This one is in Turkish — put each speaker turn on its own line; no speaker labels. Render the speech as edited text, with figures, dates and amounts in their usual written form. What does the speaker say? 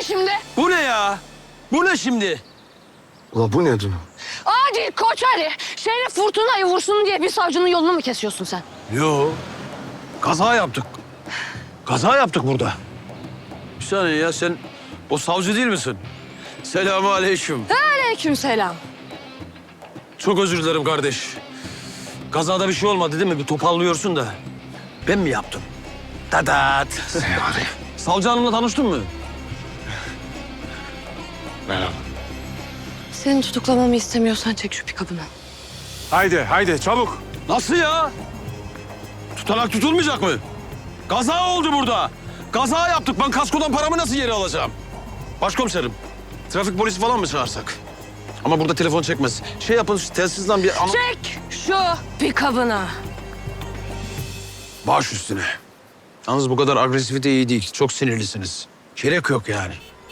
şimdi?
Bu ne ya? Bu ne şimdi?
Ula bu nedir?
Adil Koçari, Şerif Fırtına'yı vursun diye bir savcının yolunu mu kesiyorsun sen?
Yo. Kaza yaptık. Kaza yaptık burada. Bir saniye ya, sen o savcı değil misin? Selamünaleyküm.
Aleykümselam.
Çok özür dilerim kardeş. Kazada bir şey olmadı değil mi? Bir topallıyorsun da. Ben mi yaptım? Tadat. Savcı hanımla tanıştın mı?
Merhaba.
Senin tutuklamamı istemiyorsan çek şu pikabını.
Haydi çabuk.
Nasıl ya? Tutanak tutulmayacak mı? Kaza oldu burada. Kaza yaptık. Ben kaskodan paramı nasıl geri alacağım? Başkomiserim, trafik polisi falan mı çağırsak? Ama burada telefon çekmez. Şey yapın, telsizden bir...
Çek şu pikabını.
Baş üstüne. Yalnız bu kadar agresifite iyi değil. Çok sinirlisiniz. Gerek yok yani.